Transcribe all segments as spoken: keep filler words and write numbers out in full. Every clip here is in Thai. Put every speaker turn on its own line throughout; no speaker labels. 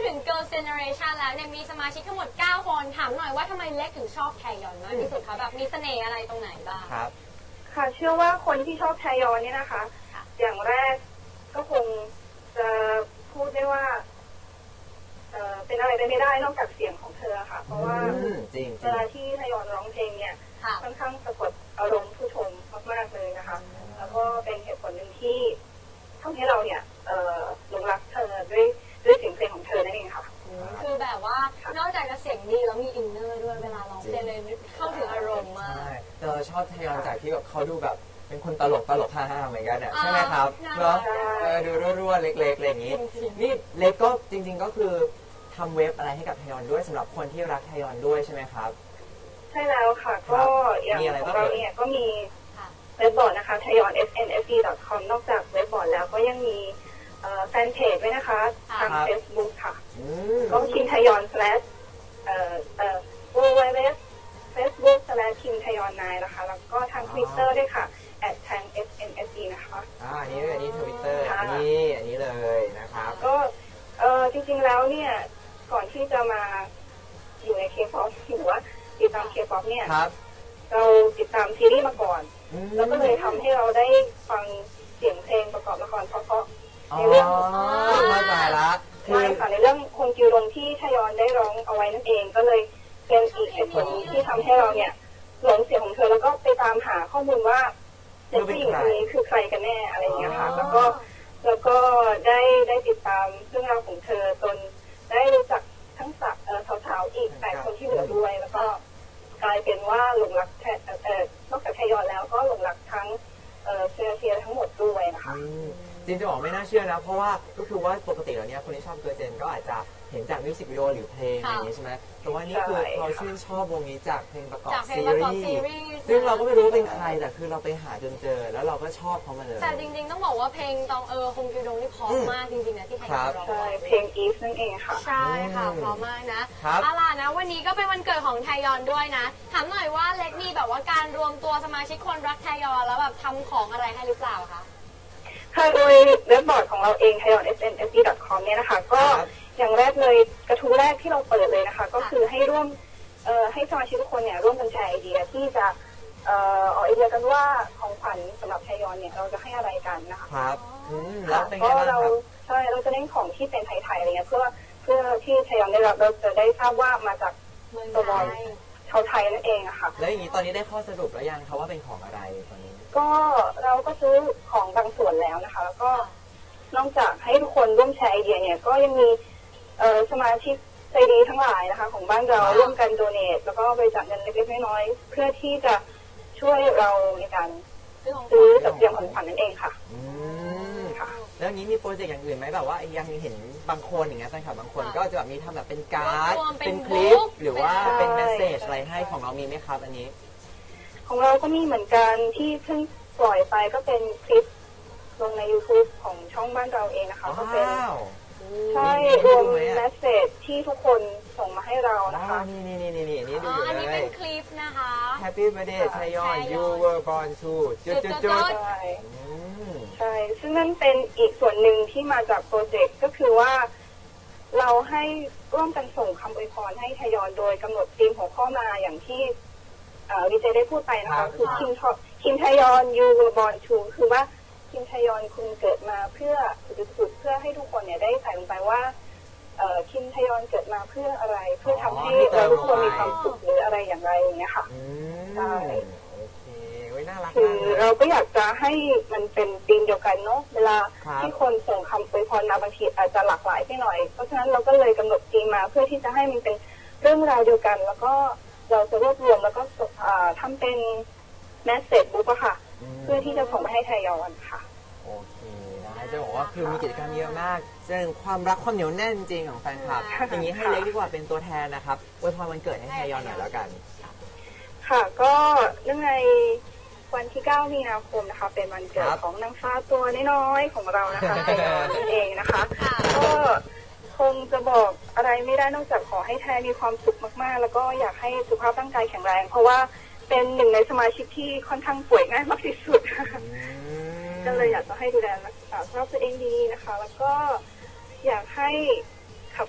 ถึง Girl Generation แล้วเนี่ยมีสมาชิกทั้งหมดเก้าคนถามหน่อยว่าทำไมเล็กถึงชอบแทยอนมากที่สุดคะแบบมีเสน่ห์อะไรตรงไหนบ้าง
ครับ
ค่ะเชื่อว่าคนที่ชอบแทยอนเนี่ยนะคะอย่างแรกก็คงจะพูดได้ว่าเอ่อเป็นอะไรได้ไม่ได้นอกจากเสียงของเธอค่ะเพราะว่าเวลาที่แทยอนร้องเพลงเนี่ยค่อนข้างสะกดอารมณ์ผู้ชมมากๆเลยนะคะแล้วก็เป็นเหตุผลหนึ่งที่ทำให้เราเนี่ยหลงรักเธอด้วยด้วยเสียงเพลงของเธอนั่นเองค่ะ
คือแบบว่านอกจากจะเสียงดีแล้วมีอินเนอร์ด้วยเวลาร้องเพลงเลยเข้าถึงอารมณ์มาก
ใช่แต่เราชอบแทยอนจากที่แบบเขาดูแบบเป็นคนตลกตลกฮ่าๆเหมือนกันเนี่ยใช่ไหมครับเนาะดูรั่วๆเล็กๆอะไรอย่างนี้นี่เล็กก็จริงๆก็คือทำเว็บอะไรให้กับแทยอนด้วยสำหรับคนที่รักแทยอนด้วยใช่ไหมครับ
ใช่แล้วค่ะก็อย่างของเราเนี่ยก็มีเว็บบอร์ดนะคะ ไทยอน เอส เอ็น เอฟ ดี ดอท คอม นอกจากเว็บบอร์ดแล้วก็ยังมีแฟนเพจด้วยนะคะทาง Facebook ค่ะก็คิมไทยอน slash เอ่อเอ่อ ดับเบิลยู ดับเบิลยู ดับเบิลยู เฟซบุ๊ก slash คิมไทยอนไนน์นะคะแล้วก็ทาง Twitter ด้วยค่ะ แอท ทาง เอส เอ็น เอส ดี นะคะ
อ่าอันนี้อันนี้ Twitter อันนี้อันนี้เลยนะครับ
ก็เอ่อจริงๆแล้วเนี่ยก่อนที่จะมาอยู่ใน K-pop หรือว่าติดตาม K-pop เนี่ยเราติดตามซีรีส์มาก่อนแล้วก็เลยทำให้เราได้ฟังเสียงเพลงประกอบละครเพราะๆในเรื่อง
ไม่ตายละ
ใช่ค่ะในเรื่องฮงจิวรงที่ทยอนได้ร้องเอาไว้นั่นเองก็เลยเป็นอีกเหตุผลที่ทำให้เราเนี่ยหลงเสียงของเธอแล้วก็ไปตามหาข้อมูลว่าเด็กผู้หญิงคนนี้คือใครกันแน่อะไรอย่างเงี้ยค่ะแล้วก็แล้วก็ได้ได้ติดตามเรื่องราวของเธอจนได้รู้จักทั้งสาวๆอีกแปดคนที่เหลือด้วยแล้วก็กลายเป็นว่าหลงรักเอ่อนอกจากทยอนแล้วก็หลงรักทั้งเอ่อเชียร์เชียร์ทั้งหมดด้วยนะคะ
จริงจะบอกไม่น่าเชื่อนะเพราะว่าก็คือว่าปกติแล้วเนี่ยคนที่ชอบเกิร์ลเจนก็อาจจะเห็นจากมิวสิกวิดีโอหรือเพลงอะไรอย่างนี้ใช่ไหมแต่ว่านี่คือเขาชื่นชอบวงนี้จากเพลงประกอบซีรีส์ซึ่งเราก็ไม่รู้ว่าเป็นใครแต่คือเราไปหาจนเจอแล้วเราก็ชอบเขามาเลย
แต่จริงๆต้องบอกว่าเพลงตองเออฮงจิวดงนี่เพราะมากจริงๆนะที่ไทยร้อง
ใช่เพลงอีฟนั่นเองค่ะ
ใช่ค่ะเพราะมากนะเอาล่ะนะวันนี้ก็เป็นวันเกิดของไทยอนด้วยนะถามหน่อยว่าเล็กมีแบบว่าการรวมตัวสมาชิกคนรักไทยอนแล้วแบบทำของอะไรให้หรือเปล่าคะ
ค่ะโดยเว็บบอร์ดของเราเอง ไทยอน เอส เอ็น เอฟ ดี ดอท คอม เนี่ยนะคะก็อย่างแรกเลยกระทู้แรกที่เราเปิดเลยนะคะก็คือให้ร่วมให้สมาชิกทุกคนเนี่ยร่วมกันแชร์ไอเดียที่จะออกไอเดียกันว่าของขวัญสำหรับไทยอนเนี่ยเราจะให้อะไรกันนะคะ
ครับ
ก็เราใช่เราจะเน้นของที่เป็นไทยๆอะไรเงี้ยเพื่อเพื่อที่ไทยอนได้รับเราจะได้ทราบว่ามาจากตัวบอลชาวไทยนั่นเองอะค่ะ
แล้วอย่างนี้ตอนนี้ได้ข้อสรุปแล้วยังคะว่าเป็นของอะไรตอนนี้
ก็เราก็ซื้อของบางส่วนแล้วนะคะแล้วก็นอกจากให้ทุกคนร่วมแชร์ไอเดียเนี่ยก็ยังมีสมาชิกใจดีทั้งหลายนะคะของบ้านเราร่วมกันโดเนทแล้วก็บริจาคเงินเล็กๆน้อยๆเพื่อที่จะช่วยเราในการซื้อจัดเตรียมของขวัญนั่นเองค่ะ
ค่ะแล้วนี้มีโปรเจกต์อย่างอื่นไหมแบบว่ายังเห็นบางคนอย่างเงี้ยแฟนคลับบางคนก็จะแบบมีทำแบบเป็นการ์ดเป็นคลิปหรือว่าเป็นเมสเซจอะไรให้ของเรามีไหมครับอันนี้
ของเราก็มีเหมือนกันที่เพิ่งปล่อยไปก็เป็นคลิปลงใน YouTube ของช่องบ้านเราเองนะคะก็เป็นใช่รวมเมสเซจที่ทุกคนส่งมาให้เรานะคะ
นี่นี่นี่นี่นี่นี่ดูเลย
อันนี้เป็นคลิปนะคะ
Happy Birthday ไทยอน You were born to จุดจุดจุด
ใช่ใช่ซึ่งนั่นเป็นอีกส่วนหนึ่งที่มาจากโปรเจกต์ก็คือว่าเราให้ร่วมกันส่งคำอวยพรให้ไทยอนโดยกำหนดธีมหัวข้อมาอย่างที่ดีเจได้พูดไปนะคะคือคิมคิมไทยอน You were born to คือว่าคิมไทยอนคุณเกิดมาเพื่อสุดๆเพื่อให้ทุกคนเนี่ยได้ใส่ลงไปว่าคิมไทยอนเกิดมาเพื่ออะไรเพื่อทำให้เราทุกคนมีความสุขหรืออะไรอย่างไรอย่างเงี้ยค่ะใช่คือเราก็อยากจะให้มันเป็นธีมเดียวกันเนาะเวลาที่คนส่งคำอวยพรมาบางทีอาจจะหลากหลายไปหน่อยเพราะฉะนั้นเราก็เลยกำหนดธีมมาเพื่อที่จะให้มันเป็นเรื่องราวเดียวกันแล้วก็เราจะรวบรวมแล้วก็ทำเป็นแมสเสจบุ๊กอะค่ะเพื่อที่จะส่งไปให้ไทยอนค่ะ
โอเคนะจะบอกว่าคือมีกิจกรรมเยอะมากแสดงความรักความเหนียวแน่นจริงของแฟนคลับอย่างนี้ให้เล็กดีกว่าเป็นตัวแทนนะครับอวยพรวันเกิดให้ไทยอนหน่อยแล้วกัน
ค่ะก็เนื่องในวันที่เก้ามีนาคมนะคะเป็นวันเกิดของนางฟ้าตัวน้อยๆของเรานะคะไทยอนนั่นเองนะคะก็คงจะบอกอะไรไม่ได้นอกจากขอให้แทนมีความสุขมากๆแล้วก็อยากให้สุขภาพร่างกายแข็งแรงเพราะว่าเป็นหนึ่งในสมาชิกที่ค่อนข้างป่วยง่ายมากที่สุดก็เลยอยากจะให้ดูแลรักษาสุขภาพตัวเองดีนะคะแล้วก็อยากให้ขับขาน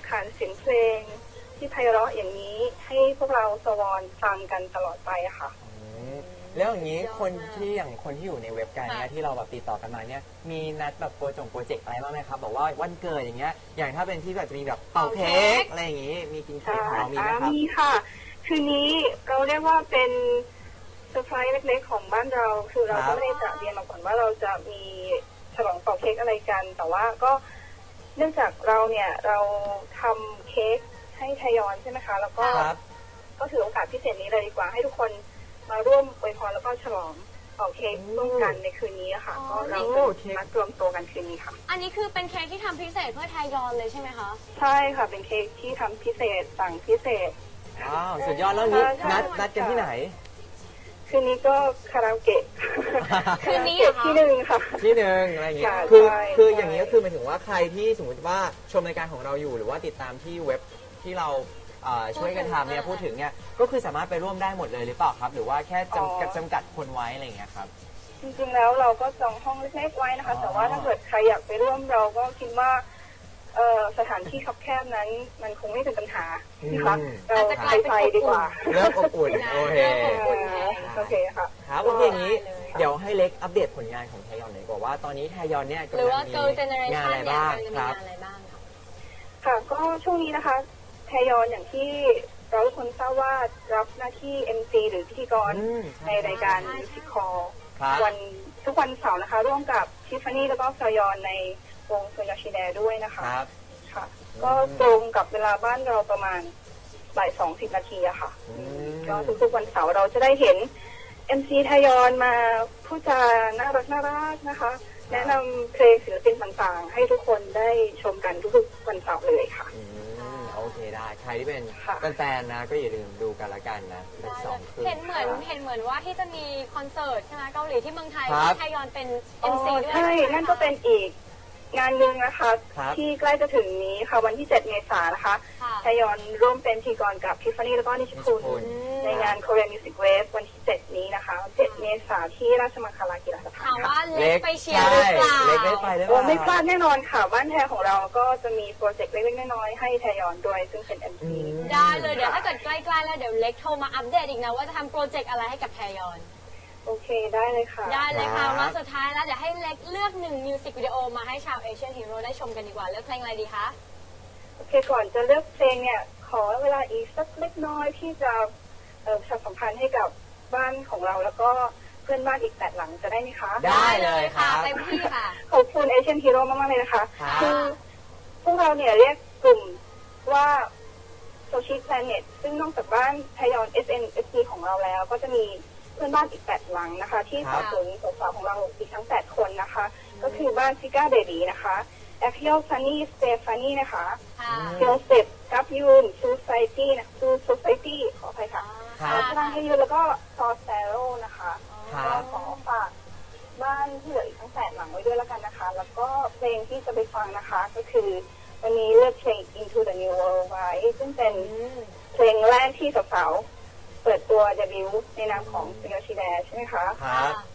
ยงเพลงที่ไพเราะอย่างนี้ให้พวกเราสวอนฟังกันตลอดไปอะค่ะ
อืมแล้วอย่างนี้คนที่อย่างคนที่อยู่ในเว็บการเนี่ยที่เราแบบติดต่อกันมาเนี่ยมีนัดแบบโปรจงโปรเจกต์อะไรบ้างไหมครับบอกว่าวันเกิดอย่างเงี้ยอย่างถ้าเป็นที่แบบจะมีแบบเป่าเค้กอะไรอย่างงี้มีกินเค้กของเรามีไหมครับ
มีค่ะ คืนนี้เราเรียกว่าเป็นเซอร์ไพรส์เล็กๆของบ้านเรา คือเราก็ไม่ได้จะเรียนมาก่อนว่าเราจะมีฉลองเป่าเค้กอะไรกัน แต่ว่าก็เนื่องจากเราเนี่ยเราทำเค้กให้ไทยอนใช่ไหมคะ แล้วก็ก็ถือโอกาสพิเศษนี้เลยดีกว่าให้ทุกคนมาร่วมอวยพรแล้วก็ฉลองเป่าเค้กร่วมกันในคืนนี้ค่ะ ก็เราจะมารวมตัวกันคืนนี้ค่ะ
อันนี้คือเป็นเค้กที่ทำพิเศษเพื่อไทยอนเลยใช่ไหมคะ
ใช่ค่ะ เป็นเค้กที่ทำพิเศษสั่งพิเศษ
ว้าวสุดยอดแล้วนี้
ใช่
นัดนัดกันที่ไหน
คืนนี้ก็คาราโอเกะ
คืนนี้เหรอคะ
ที่หนึ่งค่ะ
ที่หนึ่งอะไรอย่างเงี้ย
ใช่
คือ
ใช่
คือ
ใช่
อย่างนี้ก็คือหมายถึงว่าใครที่สมมติว่าชมรายการของเราอยู่หรือว่าติดตามที่เว็บที่เราเอ่อช่วยกันทำเนี่ยพูดถึงเนี่ยก็คือสามารถไปร่วมได้หมดเลยหรือเปล่าครับ หรือว่าแค่จำกัดจำกัดคนไว้อะไรอย่างเงี้ยครับ
จริงๆแล้วเราก็จองห้องเล็กๆไว้นะคะ
อ๋อ
แต่ว่าถ้าเกิดใครอยากไปร่วมเราก็คิดว่าเอ่อสถานที่คับแคบนั้นมันคงไม่เป็นปัญหานะคะเรา
อาจจะกลายเป็น
ไปดีกว่า
เริ่มอบอุ่นโอเค
เริ่มอบอุ่น
เออโอเคค่ะ
ครับโอเคอย่างนี้
ได้เลย
เดี๋ยวให้เล็กอัปเดตผลงานของไทยอนหน่อยดีกว่าว่าตอนนี้ไทยอนเนี่ย
หรื
กำ
อ
ลั
ว่าง
มี
girl generation
งานอะไร
เนี่ย
บ้าง
มันจะมี
ครับ
งานอะไรบ้างคะ
ค่ะก็ช่วงนี้นะคะไทยอนอย่างที่เราทุกคนทราบว่ารับหน้าที่ เอ็ม ซี หรือพิธีกร
อืม
ในรายการมิวสิคอล
ครับ
วันทุกวันเสาร์นะคะ ร่วมกับทิฟฟานี่แล้วก็ซอยอนในวงโซยาชิแดด้วยนะคะ
ครับ
ค่ะ ก็ตรงกับเวลาบ้านเราประมาณบ่ายสองสิบนาทีอะค่ะ
อืม
ก็ทุกๆวันเสาร์เราจะได้เห็น เอ็ม ซี ไทยอนมาพูดจาน่ารักน่ารักนะคะ แนะนำเพลงศิลปินต่างๆ ให้ทุกคนได้ชมกันทุกๆวันเสาร์เลยค่ะ
อืมโอเคได้ใครที่เป็น
ค่ะ
แฟนๆนะก็อย่าลืมดูกันละกันนะเป็นสองคืน
เห็นเหมือนเห็นเหมือนว่าที่จะมีคอนเสิร์ตใช่ไหมเกาหลีที่เมืองไทย
ครับ
ที่ไทยอนเป็น
อ๋
เอ็
อ
ม ซี ด้วย
ใช่
ไหมคะ
นั่นก็เป็นอีกงานหนึ่งนะคะ
ครับ
ที่ใกล้จะถึงนี้ค่ะ วันที่เจ็ดเมษายนนะคะ
ค่ะ
ไทยอนร่วมเป็นพธี่กรกับทิฟฟานี่แล้วก็นิชคุ
นิชคุณ
ณในงาน Korean Music Wave วันที่เจ็ดนี้นะคะเจ็ดเมษายนที่ราชมังคลากีฬาสถา
ถาน ม
ค่ะ
ว่าเล็กไปเชียร์หรือเปล่า
ใช่เล็กได้ไปหรือเป
โอ้
ล่า
ไม่พลาดแน่นอนค่ะ บ้านแท้ของเราก็จะมีโปรเจกต์เล็กๆน้อยๆให้ไทยอนด้วยซึ่งเป็น เอ็ม
อื
ซี
ม
ได้เลยเดี๋ยวถ้าเกิดใกล้ๆแล้วเดี๋ยวเล็กโทรมาอัปเดตอีกนะว่าจะทำโปรเจกต์อะไรให้กับไทยอน
โอเคได้เลยค่ะ
ได้เลยค่ะ
ครับ
มาสุดท้ายแล้วเดี๋ยวให้เล็กเลือกหนึ่งมิวสิกวิดีโอมาให้ชาวเอเชียนฮีโร่ได้ชมกันดีกว่าเลือกเพลงอะไรดีคะ
โอเคก่อนจะเลือกเพลงเนี่ย ขอเวลาอีกสักเล็กน้อยที่จะเอ่อประชาสัมพันธ์ให้กับบ้านของเราแล้วก็เพื่อนบ้านอีกแปดหลังจะได้ไหมคะ
ได้เลยครับ
เต็มที่ค่ะ
ขอบคุณเอเชียนฮีโร่มากๆเลยนะคะ
ครับ
คือพวกเราเนี่ยเรียกกลุ่มว่าโซชิแพลเน็ตซึ่งนอกจากบ้านไทยอน เอส เอ็น เอส พี ของเราแล้ว ก็จะมีเพื่อนบ้านอีกแปดหลังนะคะ ที่สนับสนุนสาวๆของเราอีกทั้งแปดคนนะคะ ก็คือบ้านซิก้าเบบีนะคะแอคเ l ลซันนี่สเตฟานี่นะคะ
ค่ะ
เซลเซปกับยูนซูไซตี้นะซูโซไซตี้ขออภัยค่ะ
ครับ
พลังให้ยูนแล้วก็ซอสเซโร่นะคะ
ครับ
ก็ขอฝากบ้านที่เหลืออีกทั้งแปดหลังไว้ด้วยแล้วกันนะคะ แล้วก็เพลงที่จะไปฟังนะคะ ก็คือวันนี้เลือกเพลง Into the New World ไว้ ซึ่งเป็นเพลงแรกที่สาวๆเปิดตัวเดบิวต์ในนามของซิงเกิลชีแดใช่ไหมคะ
ครับ